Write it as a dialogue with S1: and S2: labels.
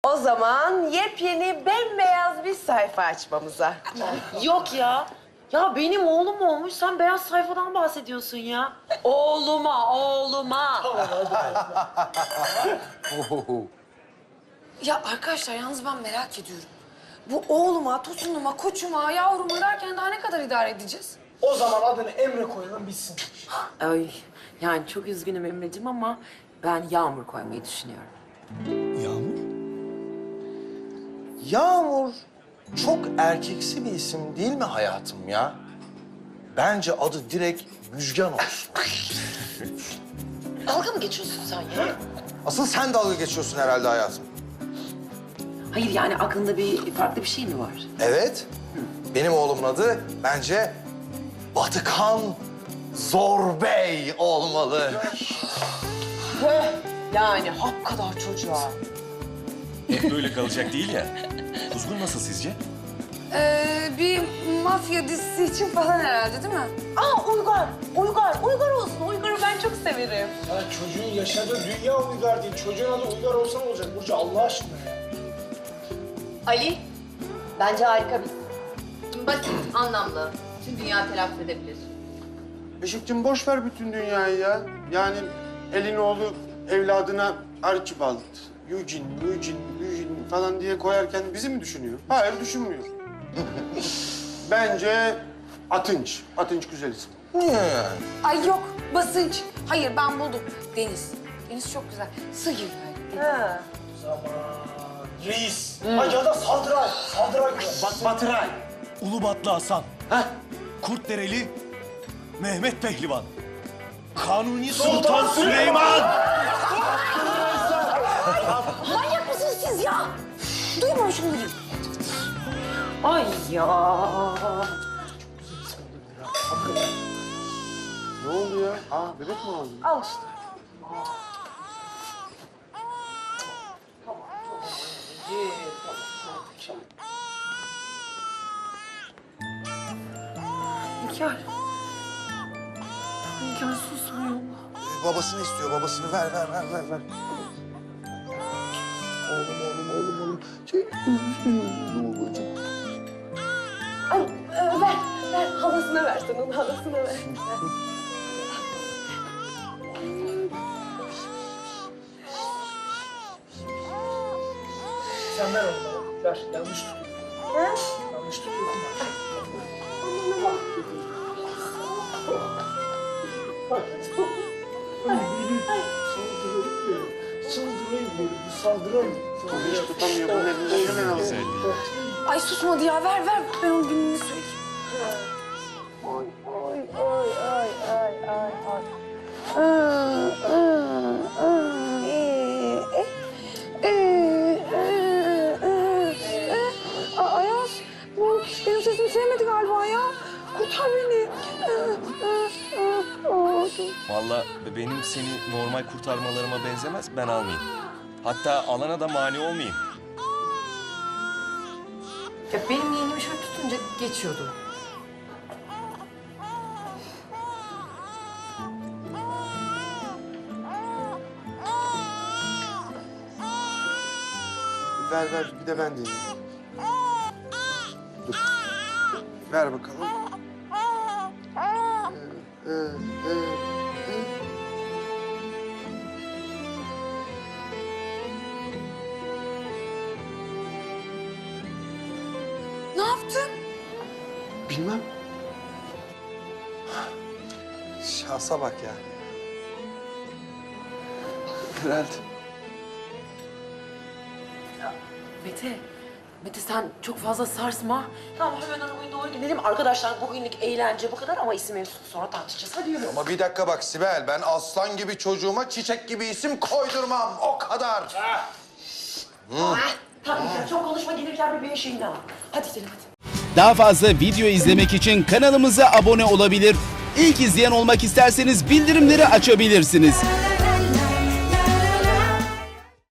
S1: O zaman yepyeni bembeyaz bir sayfa açmamıza.
S2: Yok ya. Ya benim oğlum olmuş, sen beyaz sayfadan bahsediyorsun ya. Oğluma.
S3: Ya arkadaşlar yalnız ben merak ediyorum. Bu oğluma, tosunuma, koçuma, yavruma derken daha ne kadar idare edeceğiz?
S4: O zaman adını Emre koyalım bitsin.
S2: Ay, yani çok üzgünüm Emre'cim ama ben Yağmur koymayı düşünüyorum.
S5: Yağmur?
S6: Yağmur çok erkeksi bir isim değil mi hayatım ya? Bence adı direkt Müjgan olsun.
S2: Dalga mı geçiyorsun sen ya?
S6: Asıl sen dalga geçiyorsun herhalde hayatım.
S2: Hayır yani aklında farklı bir şey mi var?
S6: Evet. Benim oğlumun adı bence Batıkan Zorbey olmalı.
S2: Yani hap kadar çocuğa.
S5: Hep böyle kalacak değil ya. Kuzgun nasıl sizce?
S3: Bir mafya dizisi için falan herhalde değil mi?
S1: Aa Uygar olsun. Uygar'ı ben çok severim.
S4: Ya çocuğun yaşadığı dünya Uygar değil. Çocuğun adı Uygar olsa ne olacak Burcu Allah aşkına ya.
S7: Ali, bence harika bir isim. Basit, anlamlı. Tüm dünya telaffuz edebilir.
S8: Beşikçim boş ver bütün dünyayı ya. Yani elin oğlu evladına Archibald, Eugene falan diye koyarken bizi mi düşünüyor? Hayır, düşünmüyor. Bence Atınç. Atınç güzel isim.
S6: Niye yani?
S3: Ay yok, basınç. Hayır ben buldum. Deniz. Deniz çok güzel. Sıyır böyle.
S1: Ha.
S4: Zaman. Reis. Ay ya da Saldıray. Saldıray güzel.
S8: Batıray.
S5: Ulubatlı Hasan. Kurtdereli Mehmet Pehlivan. Kanuni Sultan Süleyman.
S3: Manyak mısınız siz ya? Duyma şunları.
S2: Ay ya.
S8: Ne oldu ya? Aa, bebek mi oldu?
S1: Al işte.
S2: Hünkâr. Hünkâr susmuyor.
S6: Babasını istiyor, babasını ver. Oğlum.
S1: Ay, ver. Halasına ver sen onun halasına ver.
S4: Sen ver onu bana. Ver. Yanlış tutuyor. Yanlış tutuyor. Saldırayım.
S8: Hiç tutamıyor. Bunun elinden hemen alıyor.
S3: Ay susmadı ya. Ver. Ben onun gününü söyleyeyim. Ayaz, bu benim sesimi sevmedi galiba ya. Kurtar beni.
S5: Vallahi benim seni normal kurtarmalarıma benzemez. Ben almayayım. Hatta alana da mani olmayayım.
S2: Ya benim yeğenimi şöyle tutunca geçiyordu.
S8: Ver. Bir de ben deneyeyim. Dur. Ver bakalım.
S3: Ne yaptın?
S8: Bilmem.
S6: Şansa bak ya.
S8: Herhalde.
S2: Mete sen çok fazla sarsma. Tamam hemen arabaya doğru gidelim. Arkadaşlar bugünlük eğlence bu kadar ama isim mevzusunu sonra tartışacağız. Hadi yürü.
S6: Ama bir dakika bak Sibel, ben aslan gibi çocuğuma çiçek gibi isim koydurmam, o kadar.
S2: Tamam çok konuşma gelirken bir şeyini al. Hadi gidelim hadi.
S9: Daha fazla video izlemek için kanalımıza abone olabilir. İlk izleyen olmak isterseniz bildirimleri açabilirsiniz.